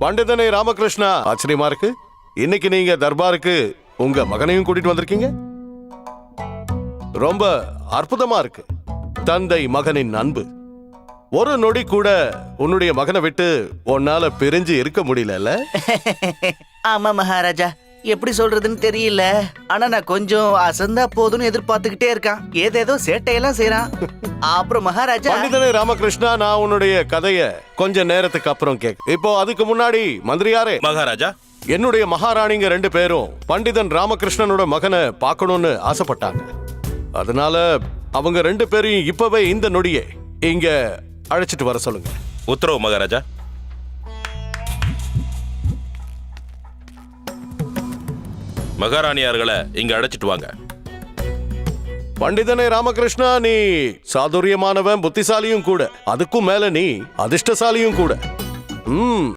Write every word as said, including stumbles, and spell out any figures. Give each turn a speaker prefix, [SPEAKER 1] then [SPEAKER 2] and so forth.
[SPEAKER 1] பண்டிதனை ராமகிருஷ்ணா, ஆச்சரியமா இருக்கு. இன்னைக்கு நீங்க தர்பாருக்கு உங்க மகனையும் கூட்டிட்டு வந்திருக்கீங்க. ரொம்ப அற்புதமா இருக்கு. தந்தை மகனின் அன்பு. ஒரு நொடி கூட உன்னுடைய மகனை விட்டு உன்னால பிரிஞ்சு இருக்க முடியல.
[SPEAKER 2] ஆமா மகாராஜா, எப்படி சொல்றதுன்னு தெரியல. ஆனா நான் கொஞ்சம் அசந்தா போதும்னு எதிர்பார்த்துக்கிட்டே இருக்கான். ஏதேதோ சேட்டையெல்லாம் செய்யறான். அப்புறம் மகாராஜா,
[SPEAKER 1] பண்டிதனை ராமகிருஷ்ணா, நான் உன்னுடைய கதைய கொஞ்ச நேரத்துக்கு அப்புறம் கேட்க. இப்போ அதுக்கு முன்னாடி மந்திரியாரே,
[SPEAKER 3] மகாராஜா,
[SPEAKER 1] என்னுடைய மகாராணிங்க ரெண்டு பேரும் பண்டிதன் ராமகிருஷ்ணனோட மகனை பார்க்கணும்னு ஆசைப்பட்டாங்க. அதனால அவங்க ரெண்டு பேரையும் இப்பவே இந்த நொடியே இங்க அழைச்சிட்டு வர சொல்லுங்க.
[SPEAKER 3] உத்தரவு மகாராஜா. மகாராணியார்களை இங்க அழைச்சிட்டு வாங்க.
[SPEAKER 1] பண்டிதனை ராமகிருஷ்ணா, நீ சாதுரியமானவன், புத்திசாலியும் கூட. அதுக்கும் மேல நீ அதிர்ஷ்டசாலியும் கூட. ம்